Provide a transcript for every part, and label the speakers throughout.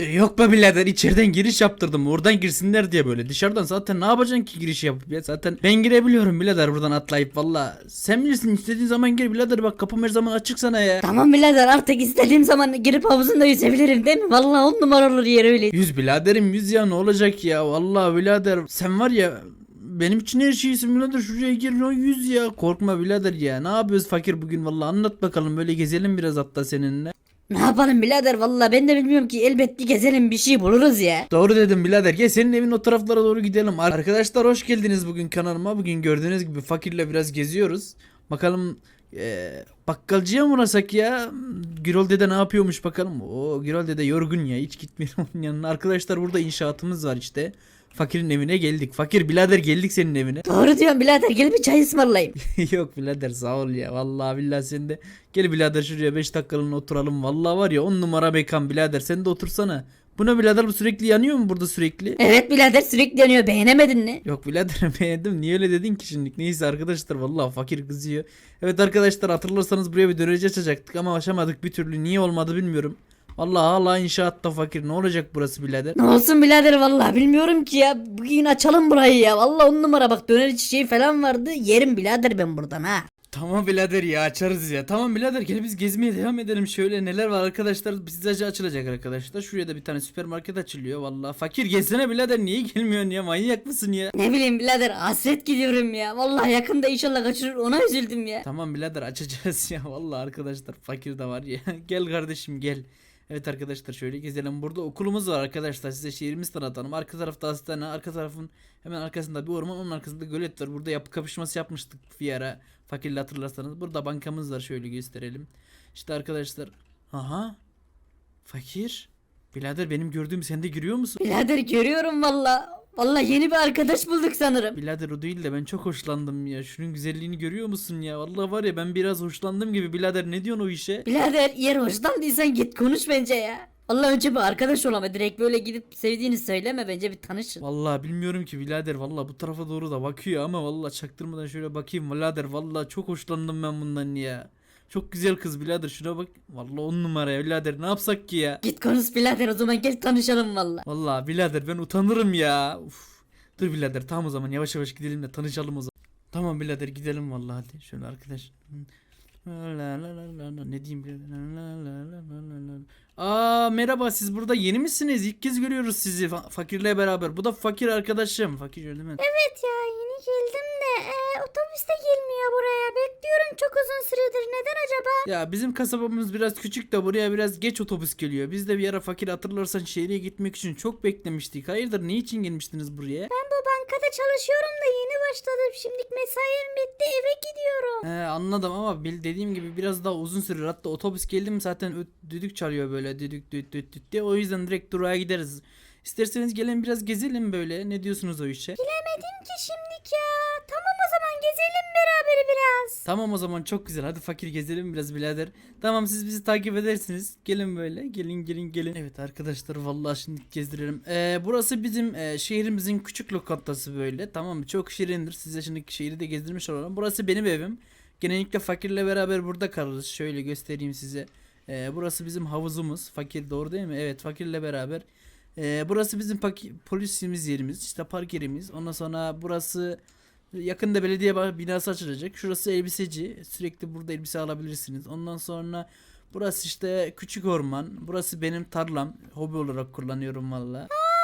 Speaker 1: Yok be birader, içeriden giriş yaptırdım oradan girsinler diye böyle. Dışarıdan zaten ne yapacaksın ki giriş yapıp ya, zaten ben girebiliyorum birader buradan atlayıp, valla. Sen bilirsin, istediğin zaman gir birader, bak kapım her zaman açık sana ya.
Speaker 2: Tamam birader, artık istediğim zaman girip havuzunda yüzebilirim değil mi? Vallahi 10 numara olur yer öyle.
Speaker 1: Yüz biraderim, yüz ya, ne olacak ya, vallahi birader sen var ya, benim için her şeysin birader, şuraya gir o yüz ya, korkma birader ya. Ne yapıyoruz fakir bugün, vallahi anlat bakalım, böyle gezelim biraz hatta seninle.
Speaker 2: Ne yapalım birader, vallahi ben de bilmiyorum ki, elbet bir gezelim, bir şey buluruz ya.
Speaker 1: Doğru dedim birader, gel senin evin o taraflara doğru gidelim. Arkadaşlar hoş geldiniz bugün kanalıma. Bugün gördüğünüz gibi fakirle biraz geziyoruz. Bakalım bakkalcıya mı uğrasak ya? Gürol dede ne yapıyormuş bakalım. O Gürol dede yorgun ya, hiç gitmiyor onun yanına. Arkadaşlar burada inşaatımız var işte. Fakirin evine geldik. Fakir birader, geldik senin evine.
Speaker 2: Doğru diyorsun birader, gel bir çay ısmarlayayım.
Speaker 1: Yok birader, sağ ol ya. Vallahi billahi sen de. Gel birader şuraya 5 dakikalığına oturalım. Vallahi var ya 10 numara mekan birader. Sen de otursana. Bu ne birader, bu sürekli yanıyor mu burada sürekli?
Speaker 2: Evet birader, sürekli yanıyor, beğenemedin mi?
Speaker 1: Yok birader beğendim. Niye öyle dedin ki şimdi? Neyse arkadaşlar, vallahi fakir kızıyor. Evet arkadaşlar, hatırlarsanız buraya bir döneri açacaktık ama aşamadık bir türlü. Niye olmadı bilmiyorum. Vallahi hala inşaatta fakir. Ne olacak burası birader?
Speaker 2: Ne olsun birader, vallahi bilmiyorum ki ya. Bugün açalım burayı ya. Vallahi 10 numara, bak döner çiçeği falan vardı. Yerim birader ben buradan ha.
Speaker 1: Tamam birader ya, açarız ya. Tamam birader, gel biz gezmeye devam edelim. Şöyle neler var arkadaşlar, pizzacı açılacak arkadaşlar. Şuraya da bir tane süpermarket açılıyor. Vallahi fakir gelsene birader, niye gelmiyorsun ya, manyak mısın ya?
Speaker 2: Ne bileyim birader, hasret gidiyorum ya. Vallahi yakında inşallah kaçırır, ona üzüldüm ya.
Speaker 1: Tamam birader, açacağız ya. Vallahi arkadaşlar fakir de var ya. Gel kardeşim gel. Evet arkadaşlar, şöyle gezelim. Burada okulumuz var arkadaşlar. Size şehrimizi tanıtalım. Arka tarafta hastane. Arka tarafın hemen arkasında bir orman. Onun arkasında gölet var. Burada yapı kapışması yapmıştık bir ara. Fakirle hatırlarsanız. Burada bankamız var. Şöyle gösterelim. İşte arkadaşlar. Aha. Fakir. Birader, benim gördüğüm sen de giriyor musun?
Speaker 2: Birader görüyorum vallahi. Vallahi yeni bir arkadaş bulduk sanırım.
Speaker 1: Birader o değil de ben çok hoşlandım ya. Şunun güzelliğini görüyor musun ya? Vallahi var ya, ben biraz hoşlandım gibi. Birader ne diyorsun o işe?
Speaker 2: Birader, yer hoşlandıysan git konuş bence ya. Vallahi önce bir arkadaş ol ama direkt böyle gidip sevdiğini söyleme, bence bir tanışın.
Speaker 1: Vallahi bilmiyorum ki birader, vallahi bu tarafa doğru da bakıyor ama vallahi çaktırmadan şöyle bakayım birader, vallahi çok hoşlandım ben bundan ya. Çok güzel kız birader, şuna bak. Vallahi 10 numara ya birader, ne yapsak ki ya?
Speaker 2: Git konuş birader, o zaman gel tanışalım vallahi.
Speaker 1: Vallahi birader ben utanırım ya. Uf. Dur birader, tamam o zaman yavaş yavaş gidelim de tanışalım o zaman. Tamam birader, gidelim vallahi, hadi şöyle arkadaş. Ne diyeyim birader? Aa merhaba, siz burada yeni misiniz? İlk kez görüyoruz sizi fakirle beraber. Bu da fakir arkadaşım. Fakir değil mi?
Speaker 3: Evet ya, yeni geldim de otobüs de gelmiyor buraya. Bekliyorum çok uzun süredir. Neden acaba?
Speaker 1: Ya bizim kasabamız biraz küçük de buraya biraz geç otobüs geliyor. Biz de bir ara fakir hatırlarsan şehre gitmek için çok beklemiştik. Hayırdır, ne için gelmiştiniz buraya?
Speaker 3: Ben bu bankada çalışıyorum da yeni başladım. Şimdilik mesaim bitti, eve gidiyorum.
Speaker 1: Anladım ama dediğim gibi biraz daha uzun sürer. Hatta otobüs geldi mi zaten düdük çalıyor böyle, düdük düt düt düt diye. O yüzden direkt durağa gideriz. İsterseniz gelin biraz gezelim böyle. Ne diyorsunuz o işe?
Speaker 3: Bilemedim ki şimdilik ya. Tamam o zaman gezelim beraber biraz.
Speaker 1: Tamam o zaman, çok güzel. Hadi fakir gezelim biraz birader. Tamam, siz bizi takip edersiniz. Gelin böyle. Gelin gelin gelin. Evet arkadaşlar, vallahi şimdi gezdirelim. Burası bizim şehrimizin küçük lokantası böyle. Tamam mı? Çok şirindir. Size şimdi şehri de gezdirmiş olalım. Burası benim evim. Genellikle fakirle beraber burada kalırız. Şöyle göstereyim size. Burası bizim havuzumuz. Fakir, doğru değil mi? Evet, fakirle beraber. Burası bizim polisimiz yerimiz. İşte park yerimiz. Ondan sonra burası yakında belediye binası açılacak. Şurası elbiseci. Sürekli burada elbise alabilirsiniz. Ondan sonra burası işte küçük orman. Burası benim tarlam. Hobi olarak kullanıyorum valla.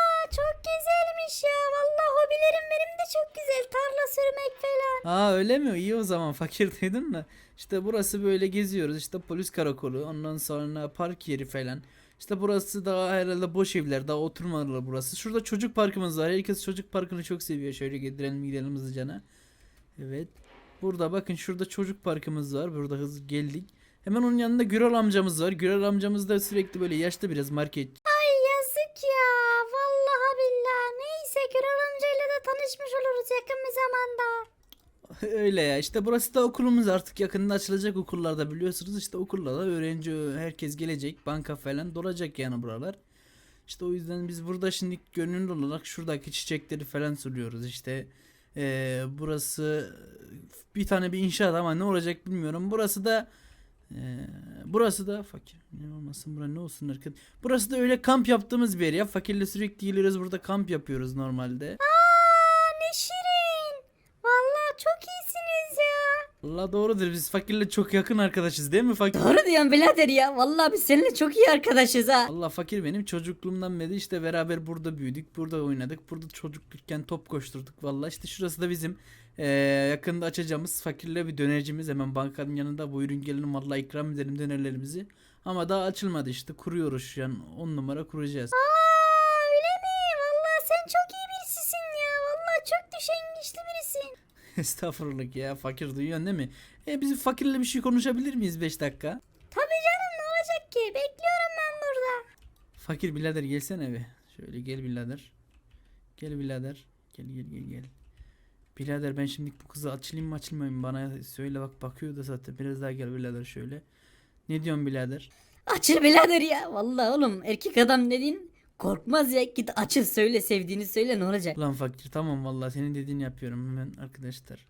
Speaker 3: Çok güzelmiş ya. Vallahi hobilerim benim de çok güzel. Tarla sürmek falan.
Speaker 1: Aa öyle mi? İyi o zaman, fakir dedin mi? İşte burası böyle geziyoruz. İşte polis karakolu. Ondan sonra park yeri falan. İşte burası daha herhalde boş evler. Daha oturmalılar burası. Şurada çocuk parkımız var. Herkes çocuk parkını çok seviyor. Şöyle gidelim hızlıcana. Evet. Burada bakın, şurada çocuk parkımız var. Burada hızlı geldik. Hemen onun yanında Gürol amcamız var. Gürol amcamız da sürekli böyle yaşlı biraz market.
Speaker 3: Ay yazık ya. Vallahi billahi. Neyse, Gürol amcayla da tanışmış oluruz yakın bir zamanda.
Speaker 1: Öyle ya, işte burası da okulumuz, artık yakında açılacak okullarda, biliyorsunuz işte okullarda öğrenci herkes gelecek, banka falan dolacak yani buralar. İşte o yüzden biz burada şimdi gönüllü olarak şuradaki çiçekleri falan suluyoruz işte. Burası bir tane bir inşaat ama ne olacak bilmiyorum. Burası da Burası da fakir. Ne olmasın bura ne olsun arkadaşlar. Burası da öyle kamp yaptığımız bir yer ya. Fakirle sürekli geliyoruz burada kamp yapıyoruz normalde.
Speaker 3: Ne şirin. Vallahi çok iyisiniz ya.
Speaker 1: Allah doğrudur biz fakirle çok yakın arkadaşız değil mi fakir?
Speaker 2: Doğru diyorsun birader ya. Vallahi biz seninle çok iyi arkadaşız ha.
Speaker 1: Allah fakir benim çocukluğumdan beri işte beraber burada büyüdük. Burada oynadık. Burada çocuklukken top koşturduk. Vallahi işte şurası da bizim yakında açacağımız fakirle bir dönercimiz. Hemen bankanın yanında buyurun gelin vallahi ikram edelim dönerlerimizi. Ama daha açılmadı işte kuruyoruz şu an 10 numara kuracağız.
Speaker 3: Öyle mi? Vallahi sen çok iyi birisisin ya. Vallahi çok düşüngüçlü birisin.
Speaker 1: Estağfurullah ya fakir duyuyorsun değil mi? Biz fakirle bir şey konuşabilir miyiz 5 dakika?
Speaker 3: Tabii canım ne olacak ki? Bekliyorum ben burada.
Speaker 1: Fakir birader gelsene be. Şöyle gel birader. Gel birader. Gel. Birader ben şimdi bu kızı açılayım mı açılmayayım mı bana söyle bak bakıyor da zaten biraz daha gel birader şöyle. Ne diyorsun birader?
Speaker 2: Açıl birader ya. Vallahi oğlum erkek adam dediğin korkmaz ya. Git açıl söyle sevdiğini söyle ne olacak?
Speaker 1: Ulan fakir tamam vallahi senin dediğini yapıyorum hemen arkadaşlar.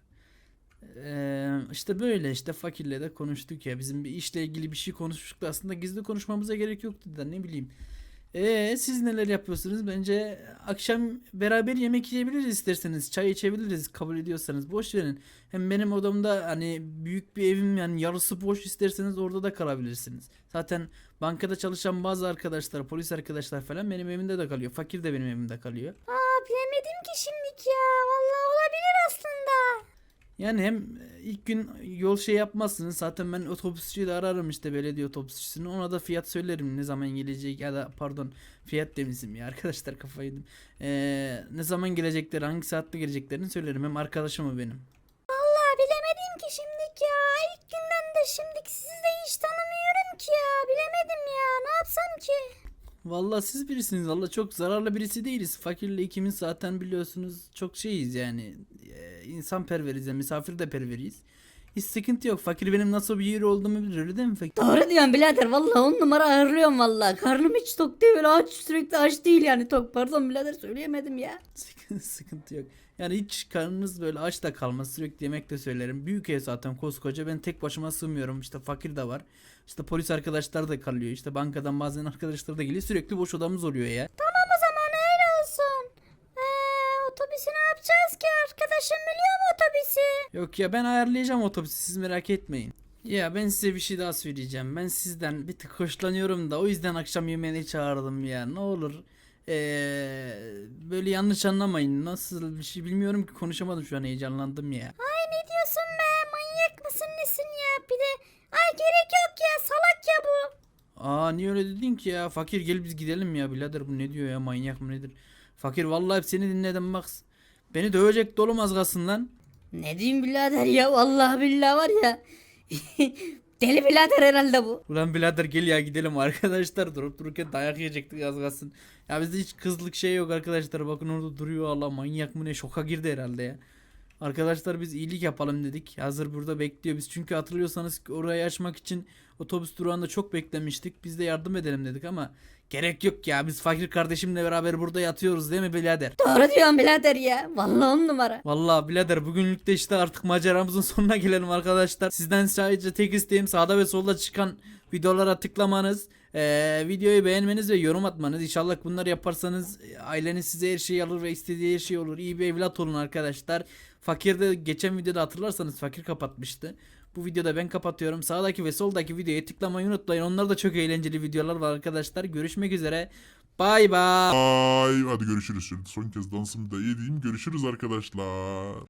Speaker 1: İşte böyle işte fakirle de konuştuk ya bizim bir işle ilgili bir şey konuşmuştuk da aslında gizli konuşmamıza gerek yoktu da ne bileyim. Siz neler yapıyorsunuz? Bence akşam beraber yemek yiyebiliriz isterseniz. Çay içebiliriz kabul ediyorsanız. Boş verin. Hem benim odamda hani büyük bir evim yani yarısı boş isterseniz orada da kalabilirsiniz. Zaten bankada çalışan bazı arkadaşlar, polis arkadaşlar falan benim evimde de kalıyor. Fakir de benim evimde kalıyor.
Speaker 3: Bilemedim ki şimdilik ya. Vallahi olabilir aslında.
Speaker 1: Yani hem ilk gün yol şey yapmazsınız. Zaten ben otobüsçüyü de ararım işte belediye otobüsçüsünü. Ona da fiyat söylerim ne zaman gelecek ya da pardon fiyat demişim ya arkadaşlar kafayı yedim. Ne zaman gelecekleri hangi saatte geleceklerini söylerim. Hem arkadaşım o benim.
Speaker 3: Vallahi bilemedim ki şimdilik ya. İlk günden de şimdiki sizi de hiç tanımıyorum ki ya. Bilemedim ya. Ne yapsam ki?
Speaker 1: Vallahi siz birisiniz. Vallahi çok zararlı birisi değiliz. Fakirle ikimiz zaten biliyorsunuz çok şeyiz yani. İnsan perveriz ya misafir de perveriyiz. Hiç sıkıntı yok. Fakir benim nasıl bir yeri olduğumu bilir öyle değil mi fakir?
Speaker 2: Doğru diyorsun birader. Vallahi 10 numara ağırlıyorum vallahi. Karnım hiç tok değil böyle aç sürekli aç değil yani tok. Pardon birader söyleyemedim ya.
Speaker 1: Sıkıntı yok. Yani hiç karnınız böyle aç da kalmaz. Sürekli yemek de söylerim. Büyük ev zaten koskoca. Ben tek başıma sığmıyorum. İşte fakir de var. İşte polis arkadaşlar da kalıyor. İşte bankadan bazen arkadaşlar da geliyor. Sürekli boş odamız oluyor ya.
Speaker 3: Tamam o zaman öyle olsun. Otobüsü ne yapacağız ki? Arkadaşım biliyor mu otobüsü?
Speaker 1: Yok ya ben ayarlayacağım otobüsü. Siz merak etmeyin. Ya ben size bir şey daha söyleyeceğim. Ben sizden bir tık hoşlanıyorum da o yüzden akşam yemeğine çağırdım ya. Ne olur. Böyle yanlış anlamayın. Nasıl bir şey bilmiyorum ki konuşamadım şu an heyecanlandım ya.
Speaker 3: Ay ne diyorsun be? Manyak mısın nesin ya? Bir de ay gerek yok ya. Salak ya bu.
Speaker 1: Niye öyle dedin ki ya? Fakir gel biz gidelim ya birader bu ne diyor ya manyak mı nedir? Fakir vallahi hep seni dinledim bak. Beni dövecek dolum az kalsın lan.
Speaker 2: Ne diyeyim birader ya vallahi billahi var ya. Deli birader herhalde bu.
Speaker 1: Ulan birader gel ya gidelim arkadaşlar durup dururken dayak yiyecektik az kalsın. Ya bizde hiç kızlık şey yok arkadaşlar bakın orada duruyor Allah manyak mı ne şoka girdi herhalde ya. Arkadaşlar biz iyilik yapalım dedik. Hazır burada bekliyor. Biz çünkü hatırlıyorsanız orayı açmak için otobüs durağında çok beklemiştik. Biz de yardım edelim dedik ama gerek yok ya. Biz fakir kardeşimle beraber burada yatıyoruz değil mi birader?
Speaker 2: Doğru diyorsun birader ya. Vallahi 10 numara.
Speaker 1: Vallahi birader bugünlük de işte artık maceramızın sonuna gelelim arkadaşlar. Sizden sadece tek isteğim sağda ve solda çıkan videolara tıklamanız. Videoyu beğenmeniz ve yorum atmanız. İnşallah bunları yaparsanız aileniz size her şeyi alır ve istediği her şey olur. İyi bir evlat olun arkadaşlar. Fakir de geçen videoda hatırlarsanız fakir kapatmıştı. Bu videoda ben kapatıyorum. Sağdaki ve soldaki videoya tıklamayı unutmayın. Onlar da çok eğlenceli videolar var arkadaşlar. Görüşmek üzere. Bay bay.
Speaker 4: Hadi görüşürüz şimdi. Son kez dansımı da yediğim görüşürüz arkadaşlar.